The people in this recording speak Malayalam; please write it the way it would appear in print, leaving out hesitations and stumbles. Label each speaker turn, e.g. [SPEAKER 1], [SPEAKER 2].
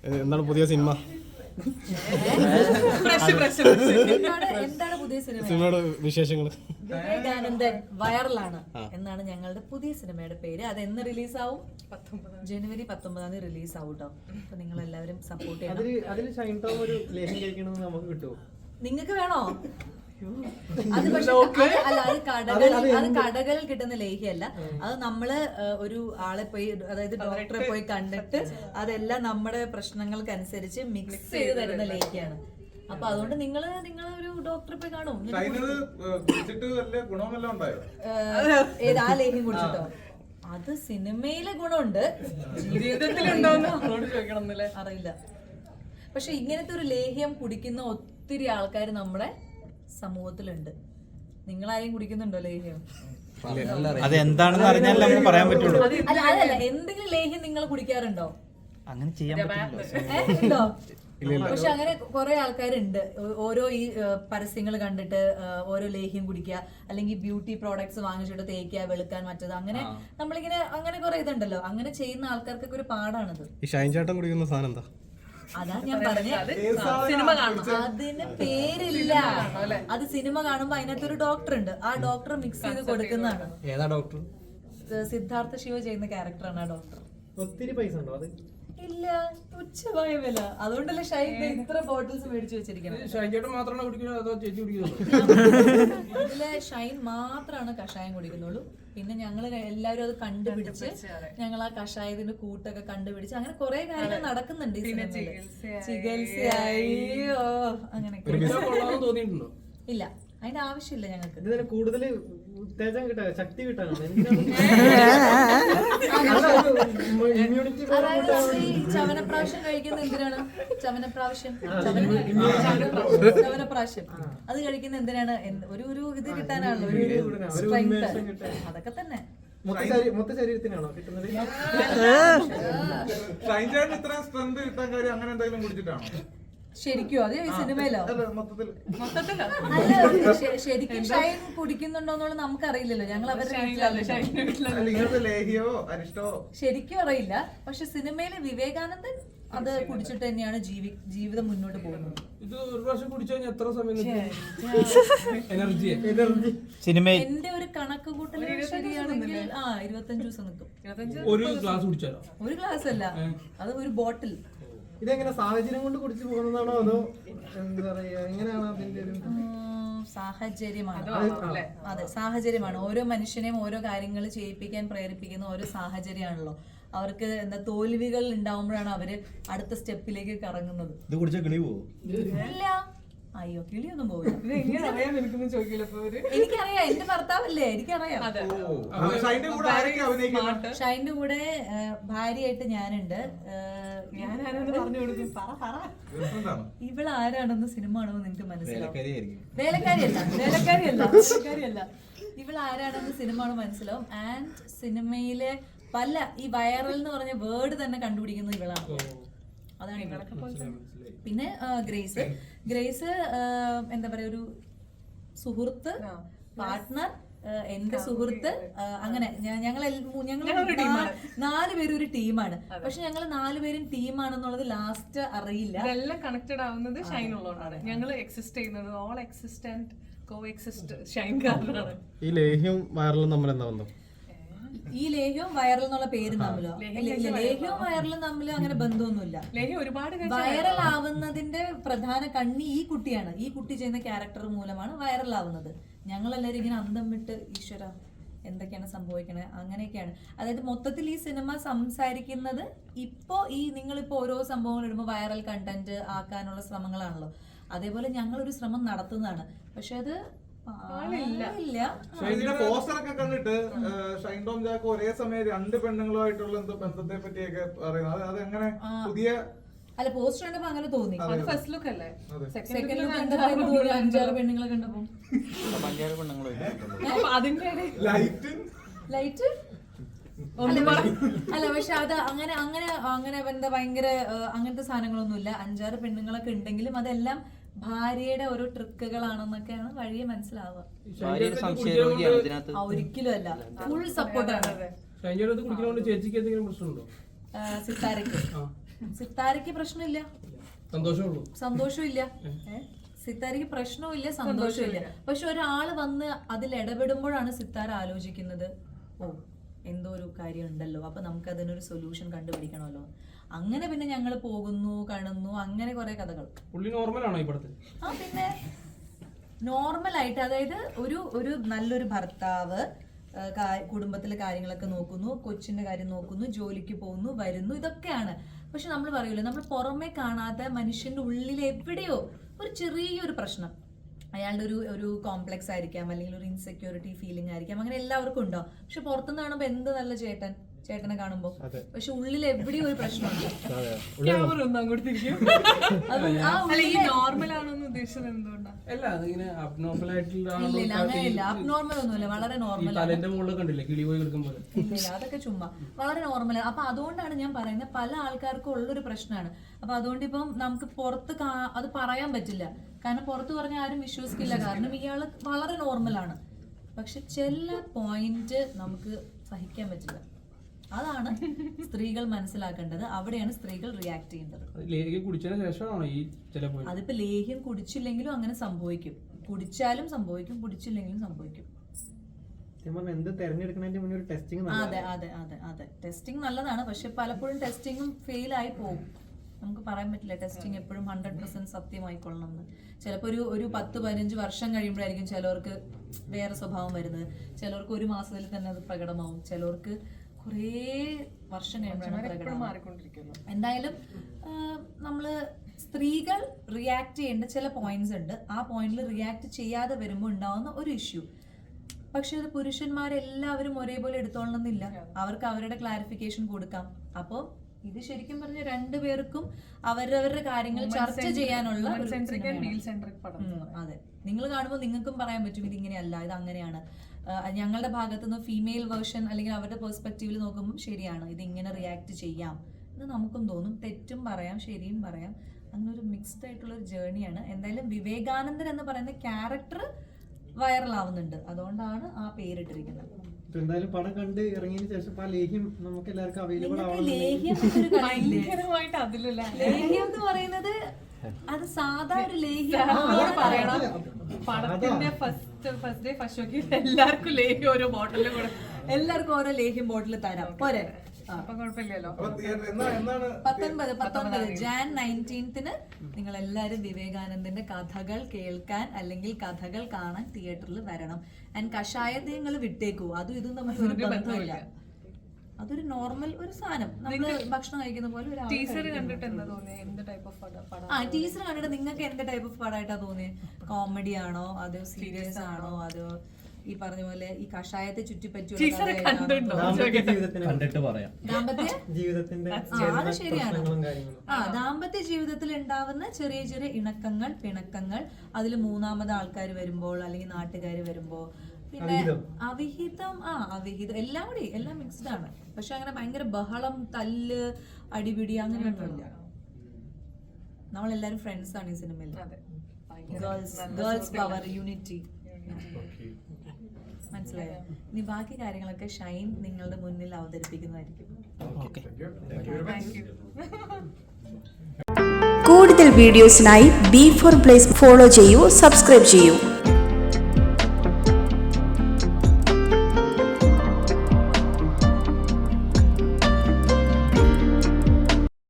[SPEAKER 1] എന്താണ് പുതിയ സിനിമ?
[SPEAKER 2] എന്താണ് പുതിയ
[SPEAKER 1] സിനിമയുടെ വിശേഷങ്ങൾ?
[SPEAKER 2] വിവേകാനന്ദൻ വൈറലാണ് എന്നാണ് ഞങ്ങളുടെ പുതിയ സിനിമയുടെ പേര്. അത് എന്ന് റിലീസാവും? ജനുവരി 19 റിലീസാവും കേട്ടോ. അപ്പൊ നിങ്ങൾ എല്ലാവരും സപ്പോർട്ട് ചെയ്യണം. നിങ്ങൾക്ക് വേണോ? അത് പക്ഷെ അല്ല, അത് കടകളിൽ കിട്ടുന്ന ലേഹ്യമല്ല. അത് നമ്മള് ഒരു ആളെ പോയി, അതായത് ഡോക്ടറെ പോയി കണ്ടിട്ട് അതെല്ലാം നമ്മുടെ പ്രശ്നങ്ങൾക്കനുസരിച്ച് മിക്സ് ചെയ്ത് തരുന്ന ലേഹ്യാണ്. അപ്പൊ അതുകൊണ്ട് നിങ്ങളൊരു ഡോക്ടറെ പോയി കാണും. ഏത് ആ ലേഹ്യം കുടിച്ചിട്ടോ? അത് സിനിമയിലെ ഗുണമുണ്ട്, ജീവിതത്തിലുണ്ടോന്ന് അറിയില്ല. പക്ഷെ ഇങ്ങനത്തെ ഒരു ലേഹ്യം കുടിക്കുന്ന ഒത്തിരി ആൾക്കാർ നമ്മുടെ സമൂഹത്തിലുണ്ട്. നിങ്ങളാരെയും കുടിക്കുന്നുണ്ടോ ലേഹ്യം?
[SPEAKER 3] അതെന്താണെന്ന് അറിഞ്ഞാൽ നമുക്ക് പറയാൻ പറ്റുള്ളൂ.
[SPEAKER 2] അതല്ല, എന്തെങ്കിലും ലേഹ്യം നിങ്ങൾ കുടിക്കാറുണ്ടോ?
[SPEAKER 3] അങ്ങനെ ചെയ്യാൻ
[SPEAKER 2] ഉണ്ടോ? പക്ഷെ അങ്ങനെ കുറെ ആൾക്കാരുണ്ട്. ഓരോ ഈ പരസ്യങ്ങൾ കണ്ടിട്ട് ഓരോ ലേഹ്യം കുടിക്കുക, അല്ലെങ്കിൽ ബ്യൂട്ടി പ്രോഡക്ട്സ് വാങ്ങിച്ചിട്ട് തേക്കുക, വെളുക്കാൻ മറ്റത്, അങ്ങനെ നമ്മളിങ്ങനെ അങ്ങനെ കുറെ ഇതുണ്ടല്ലോ. അങ്ങനെ ചെയ്യുന്ന ആൾക്കാർക്കൊക്കെ ഒരു പാടാണിത്.
[SPEAKER 1] ഈ ഷൈൻ ചേട്ടൻ കുടിക്കുന്ന സാധനം എന്താ?
[SPEAKER 2] അതാ ഞാൻ പറഞ്ഞത്, അതിന് പേരില്ല. അത് സിനിമ കാണുമ്പോ അതിനകത്തൊരു ഡോക്ടർ ഉണ്ട്, ആ ഡോക്ടർ മിക്സ് ചെയ്ത് കൊടുക്കുന്നതാണ്.
[SPEAKER 3] ഏതാ ഡോക്ടർ?
[SPEAKER 2] സിദ്ധാർത്ഥ ശിവ ചെയ്യുന്ന ക്യാരക്ടറാണ് ആ ഡോക്ടർ.
[SPEAKER 4] ഒത്തിരി പൈസ ഉണ്ടോ അത്?
[SPEAKER 2] ഇല്ല, തുച്ഛമായ വില. അതുകൊണ്ടല്ലേ ഷൈൻ ഇത്ര ബോട്ടിൽസ് മേടിച്ചു വെച്ചിരിക്കുന്നത്. ഇതിലെ ഷൈൻ മാത്രമാണ് കഷായം കുടിക്കുന്നുള്ളൂ. പിന്നെ ഞങ്ങൾ എല്ലാവരും അത് കണ്ടുപിടിച്ച് ഞങ്ങൾ ആ കഷായത്തിന്റെ കൂട്ടൊക്കെ കണ്ടുപിടിച്ച് അങ്ങനെ കുറെ കാര്യങ്ങൾ നടക്കുന്നുണ്ട് ഈ സിനിമയില്. ചികിത്സയോ അങ്ങനെയൊക്കെ. ഇല്ല, അതിന്റെ ആവശ്യമില്ല ഞങ്ങൾക്ക്.
[SPEAKER 4] കൂടുതൽ ഉത്തേജം കിട്ടാൻ, ശക്തി കിട്ടാനാണ്.
[SPEAKER 2] അതായത് ഈ ചവനപ്രാവശ്യം കഴിക്കുന്ന എന്തിനാണ്? ചവനപ്രാവശ്യം അത് കഴിക്കുന്ന എന്തിനാണ്? ഒരു ഇത് കിട്ടാനാണല്ലോ, ഒരു സ്ട്രെങ്ത്. അതൊക്കെ തന്നെ.
[SPEAKER 4] മൊത്ത ശരീരത്തിനാണോ കിട്ടുന്നത്?
[SPEAKER 2] ശരിക്കും അത് ഈ സിനിമയിലോ? അല്ല, ശരിക്കും ഷൈൻ കുടിക്കുന്നുണ്ടോന്നുള്ളത് നമുക്കറിയില്ലല്ലോ. ഞങ്ങൾ അവരുടെ ശരിക്കും അറിയില്ല. പക്ഷെ സിനിമയിലെ വിവേകാനന്ദൻ അത് കുടിച്ചിട്ട് തന്നെയാണ് ജീവിതം മുന്നോട്ട് പോകുന്നത്. എന്റെ ഒരു കണക്ക് കൂട്ടൽ ശരിയാണെങ്കിൽ 25 ദിവസം നിൽക്കും. ഒരു ഗ്ലാസ് അല്ല, അത് ഒരു ബോട്ടിൽ.
[SPEAKER 4] ഇതെങ്ങനെ സാഹചര്യം കൊണ്ട് കുടിച്ചു പോകുന്നതാണോ അതോ എന്താ പറയാ, എങ്ങനെയാണ് അതിന്റെ ഒരു
[SPEAKER 2] സാഹചര്യമാണ്? അതെ, സാഹചര്യമാണ്. ഓരോ മനുഷ്യനെയും ഓരോ കാര്യങ്ങൾ ചെയ്യിപ്പിക്കാൻ പ്രേരിപ്പിക്കുന്ന ഓരോ സാഹചര്യമാണല്ലോ. അവർക്ക് എന്താ തോൽവികൾ ഉണ്ടാവുമ്പോഴാണ് അവര് അടുത്ത സ്റ്റെപ്പിലേക്ക് കറങ്ങുന്നത്. ഇല്ല, അയ്യോ, കിളിയൊന്നും പോകില്ല. എനിക്കറിയാം, എന്റെ ഭർത്താവല്ലേ, എനിക്കറിയാം. ഷൈന്റെ കൂടെ ഭാര്യയായിട്ട് ഞാനുണ്ട്. ഇവൾ ആരാണെന്ന് സിനിമ ആണെന്ന് നിനക്ക് മനസ്സിലാവും. വേലക്കാരിയല്ല. ഇവൾ ആരാണെന്ന് സിനിമ ആണ് മനസ്സിലാവും. ആൻഡ് സിനിമയിലെ പല ഈ വൈറൽ എന്ന് പറഞ്ഞ വേർഡ് തന്നെ കണ്ടുപിടിക്കുന്നത് ഇവളാണ്. അതാണ് ഇവളൊക്കെ. പിന്നെ ഗ്രേസ് എന്താ പറയാ, ഒരു സുഹൃത്ത്, പാർട്ട്ണർ, എന്റെ സുഹൃത്ത്, അങ്ങനെ ഞങ്ങൾ 4 പേരും ഒരു ടീമാണ്. പക്ഷെ ഞങ്ങൾ 4 പേരും ടീമാണെന്നുള്ളത് ലാസ്റ്റ് അറിയില്ല.
[SPEAKER 5] ഇതെല്ലാം കണക്റ്റഡ് ആവുന്നത് ഷൈൻ ഉള്ളതുകൊണ്ടാണ്. ഞങ്ങൾ എക്സിസ്റ്റ് ചെയ്യുന്നത്, all existent coexist Shine കാരണമാണ്.
[SPEAKER 1] ഈ ലേഹ്യം വൈറലും തമ്മിൽ എന്താ ബന്ധം?
[SPEAKER 2] ഈ ലേഹ്യവും വൈറൽ എന്നുള്ള പേരും തമ്മിലോ? ലേഹ്യവും വൈറലും തമ്മിൽ അങ്ങനെ ബന്ധമൊന്നുമില്ല. വൈറൽ ആവുന്നതിന്റെ പ്രധാന കണ്ണി ഈ കുട്ടിയാണ്. ഈ കുട്ടി ചെയ്യുന്ന ക്യാരക്ടർ മൂലമാണ് വൈറൽ ആവുന്നത്. ഞങ്ങളെല്ലാവരും ഇങ്ങനെ അന്തം വിട്ട് ഈശ്വര എന്തൊക്കെയാണ് സംഭവിക്കണത്, അങ്ങനെയൊക്കെയാണ്. അതായത് മൊത്തത്തിൽ ഈ സിനിമ സംസാരിക്കുന്നത് ഇപ്പോ നിങ്ങളിപ്പോ ഓരോ സംഭവങ്ങൾ ഇടുമ്പോൾ വൈറൽ കണ്ടന്റ് ആക്കാനുള്ള ശ്രമങ്ങളാണല്ലോ. അതേപോലെ ഞങ്ങളൊരു ശ്രമം നടത്തുന്നതാണ്. പക്ഷെ അത്
[SPEAKER 6] പോസ്റ്ററൊക്കെ കണ്ടിട്ട് ഷൈൻ ടോം ചാക്കോ ഒരേ സമയം 2 പെണ്ണുങ്ങളുമായിട്ടുള്ള എന്തോ ബന്ധത്തെ പറ്റിയൊക്കെ പറയുന്നത്. അതെങ്ങനെ പുതിയ
[SPEAKER 2] അല്ല, പോസ്റ്റർ കണ്ടപ്പോ അങ്ങനെ തോന്നി.
[SPEAKER 5] അത് ഫസ്റ്റ് ലുക്ക് അല്ലേ?
[SPEAKER 2] സെക്കൻഡ് ലുക്ക് കണ്ടപ്പോ 5-6 പെണ്ണുങ്ങളെ കണ്ടപ്പോ ലൈറ്റ് അല്ല. പക്ഷെ അത് അങ്ങനെ എന്താ ഭയങ്കര അങ്ങനത്തെ സാധനങ്ങളൊന്നുമില്ല. 5-6 പെണ്ണുങ്ങളൊക്കെ ഉണ്ടെങ്കിലും അതെല്ലാം ഭാര്യയുടെ ഓരോ ട്രിക്കുകളാണെന്നൊക്കെയാണ് വഴിയെ മനസ്സിലാവുക. ഒരിക്കലും അല്ല, ഫുൾ സപ്പോർട്ടാണ്. സിത്താരയ്ക്ക് സിത്താരയ്ക്ക് പ്രശ്നമില്ല, സന്തോഷമില്ല. സിത്താരയ്ക്ക് പ്രശ്നമില്ല, സന്തോഷമില്ല. പക്ഷെ ഒരാള് വന്ന് അതിൽ ഇടപെടുമ്പോഴാണ് സിത്താര ആലോചിക്കുന്നത്, ഓ എന്തോ ഒരു കാര്യം ഉണ്ടല്ലോ, അപ്പൊ നമുക്ക് അതിനൊരു സൊല്യൂഷൻ കണ്ടുപിടിക്കണമല്ലോ. അങ്ങനെ പിന്നെ ഞങ്ങൾ പോകുന്നു, കാണുന്നു, അങ്ങനെ കുറെ കഥകൾ. ആ പിന്നെ നോർമലായിട്ട്, അതായത് ഒരു നല്ലൊരു ഭർത്താവ് കുടുംബത്തിലെ കാര്യങ്ങളൊക്കെ നോക്കുന്നു, കൊച്ചിന്റെ കാര്യം നോക്കുന്നു, ജോലിക്ക് പോകുന്നു, വരുന്നു, ഇതൊക്കെയാണ്. പക്ഷെ നമ്മൾ പറയൂലേ, നമ്മൾ പുറമെ കാണാത്ത മനുഷ്യന്റെ ഉള്ളിൽ എവിടെയോ ഒരു ചെറിയൊരു പ്രശ്നം, അയാളുടെ ഒരു കോംപ്ലക്സ് ആയിരിക്കാം, അല്ലെങ്കിൽ ഒരു ഇൻസെക്യൂരിറ്റി ഫീലിംഗ് ആയിരിക്കാം, അങ്ങനെ എല്ലാവർക്കും ഉണ്ടാവും. പക്ഷെ പുറത്തുനിന്ന് കാണുമ്പോൾ എന്ത് നല്ല ചേട്ടനെ കാണുമ്പോ, പക്ഷെ ഉള്ളിൽ എവിടെയോ ഒരു പ്രശ്നമുണ്ട്. ഇല്ല അങ്ങനെയില്ല, അബ്നോർമൽ ഒന്നുമില്ല, വളരെ നോർമൽ. ഇല്ല അതൊക്കെ ചുമ്മാ വളരെ നോർമൽ. അപ്പൊ അതുകൊണ്ടാണ് ഞാൻ പറയുന്നത്, പല ആൾക്കാർക്കും ഉള്ളൊരു പ്രശ്നമാണ്. അപ്പൊ അതുകൊണ്ട് ഇപ്പം നമുക്ക് പുറത്ത് അത് പറയാൻ പറ്റില്ല, കാരണം പുറത്ത് പറഞ്ഞാൽ ആരും വിശ്വസിക്കില്ല, കാരണം ഇയാള് വളരെ നോർമലാണ്. പക്ഷെ ചില പോയിന്റ് നമുക്ക് സഹിക്കാൻ പറ്റില്ല. അതാണ് സ്ത്രീകൾ മനസ്സിലാക്കേണ്ടത്, അവിടെയാണ് സ്ത്രീകൾ റിയാക്ട് ചെയ്യേണ്ടത്. അതിപ്പോ ലേഹ്യം കുടിച്ചില്ലെങ്കിലും അങ്ങനെ സംഭവിക്കും, കുടിച്ചാലും സംഭവിക്കും, കുടിച്ചില്ലെങ്കിലും സംഭവിക്കും. അതെ അതെ അതെ അതെ, ടെസ്റ്റിംഗ് നല്ലതാണ്, പക്ഷെ പലപ്പോഴും ടെസ്റ്റിംഗും ഫെയിൽ ആയി പോകും. നമുക്ക് പറയാൻ പറ്റില്ല ടെസ്റ്റിംഗ് എപ്പോഴും 100% സത്യമായിക്കൊള്ളണം എന്ന്. ചിലപ്പോൾ ഒരു 10-15 വർഷം കഴിയുമ്പോഴായിരിക്കും ചിലവർക്ക് വേറെ സ്വഭാവം വരുന്നത്, ചിലവർക്ക് ഒരു മാസത്തിൽ തന്നെ അത് പ്രകടമാവും, ചിലവർക്ക് കുറേ വർഷം കഴിയുമ്പോഴാണ്. എന്തായാലും നമ്മള് സ്ത്രീകൾ റിയാക്ട് ചെയ്യേണ്ട ചില പോയിന്റ്സ് ഉണ്ട്. ആ പോയിന്റിൽ റിയാക്ട് ചെയ്യാതെ വരുമ്പോൾ ഉണ്ടാവുന്ന ഒരു ഇഷ്യൂ. പക്ഷെ അത് പുരുഷന്മാരെല്ലാവരും ഒരേപോലെ എടുത്തോളണമെന്നില്ല, അവർക്ക് അവരുടെ ക്ലാരിഫിക്കേഷൻ കൊടുക്കാം. അപ്പോൾ ഇത് ശരിക്കും പറഞ്ഞ രണ്ടുപേർക്കും അവരവരുടെ കാര്യങ്ങൾ ചർച്ച ചെയ്യാനുള്ള. അതെ, നിങ്ങൾ കാണുമ്പോൾ നിങ്ങൾക്കും പറയാൻ പറ്റും ഇതിങ്ങനെയല്ല, ഇത് അങ്ങനെയാണ്. ഞങ്ങളുടെ ഭാഗത്തുനിന്ന് ഫീമെയിൽ വേർഷൻ അല്ലെങ്കിൽ അവരുടെ പെർസ്പെക്റ്റീവിൽ നോക്കുമ്പോൾ ശരിയാണ്, ഇത് ഇങ്ങനെ റിയാക്ട് ചെയ്യാം എന്ന് നമുക്കും തോന്നും. തെറ്റും പറയാം, ശരിയും പറയാം, അങ്ങനെ ഒരു മിക്സ്ഡ് ആയിട്ടുള്ള ഒരു ജേർണിയാണ്. എന്തായാലും വിവേകാനന്ദൻ എന്ന് പറയുന്ന ക്യാരക്ടർ വൈറലാവുന്നുണ്ട്, അതുകൊണ്ടാണ് ആ പേരിട്ടിരിക്കുന്നത്.
[SPEAKER 4] എന്തായാലും പടം കണ്ട് ഇറങ്ങിയതിന് ശേഷം ആ ലേഹ്യം നമുക്ക് എല്ലാവർക്കും അവൈലബിൾ
[SPEAKER 2] ലേഹ്യം എന്ന് പറയുന്നത് അത് സാധാ ഒരു ലേഹ്യം
[SPEAKER 5] പറയണം. പടത്തിന്റെ ഫസ്റ്റ് ഡേ ഫസ്റ്റ് ഷോക്ക് എല്ലാവർക്കും ലേഹ്യം ഓരോ ബോട്ടിലും കൂടെ,
[SPEAKER 2] എല്ലാവർക്കും ഓരോ ലേഹ്യം ബോട്ടിൽ തരാം പോരെ.
[SPEAKER 5] അപ്പൊ കുഴപ്പമില്ലല്ലോ.
[SPEAKER 2] 19 ജാൻ 19 നിങ്ങൾ എല്ലാവരും വിവേകാനന്ദന്റെ കഥകൾ കേൾക്കാൻ അല്ലെങ്കിൽ കഥകൾ കാണാൻ തിയേറ്ററിൽ വരണം. ആൻഡ് കഷായത്തെ നിങ്ങൾ വിട്ടേക്കൂ, അതും ഇതും നമുക്ക് ഒരു ബന്ധമില്ല, അതൊരു നോർമൽ ഒരു സാധനം, നമ്മള് ഭക്ഷണം കഴിക്കുന്ന പോലെ.
[SPEAKER 5] ടീച്ചർ കണ്ടിട്ട് എന്താ തോന്നിയത്, എന്ത് ടൈപ്പ് ഓഫ് പടം?
[SPEAKER 2] ടീച്ചർ കണ്ടിട്ട് നിങ്ങൾക്ക് എന്ത് ടൈപ്പ് ഓഫ് പടമായിട്ടാ തോന്നിയത്? കോമഡി ആണോ, അതോ സീരിയസ് ആണോ, അതോ ഈ പറഞ്ഞ പോലെ ഈ കഷായത്തെ ചുറ്റിപ്പറ്റിയുള്ള അത് ശരിയാണ്. ദാമ്പത്യ ജീവിതത്തിൽ ഉണ്ടാവുന്ന ചെറിയ ചെറിയ ഇണക്കങ്ങൾ, പിണക്കങ്ങൾ, അതിൽ മൂന്നാമത് ആൾക്കാർ വരുമ്പോൾ അല്ലെങ്കിൽ നാട്ടുകാർ വരുമ്പോൾ, പിന്നെ അവിഹിതം അവിഹിതം എല്ലാം കൂടി എല്ലാം മിക്സ്ഡ് ആണ്. പക്ഷെ അങ്ങനെ ഭയങ്കര ബഹളം, തല്ല്, അടിപിടി അങ്ങനെയൊന്നുമില്ല. നമ്മളെല്ലാരും ഫ്രണ്ട്സ് ആണ് ഈ സിനിമയിൽ. Girls power, unity. മനസ്സിലായോ? ഇനി ബാക്കി കാര്യങ്ങളൊക്കെ ഷൈൻ നിങ്ങളുടെ മുന്നിൽ അവതരിപ്പിക്കുന്നതായിരിക്കും.
[SPEAKER 7] കൂടുതൽ വീഡിയോസിനായി B4 Place ഫോളോ ചെയ്യൂ, സബ്സ്ക്രൈബ് ചെയ്യൂ.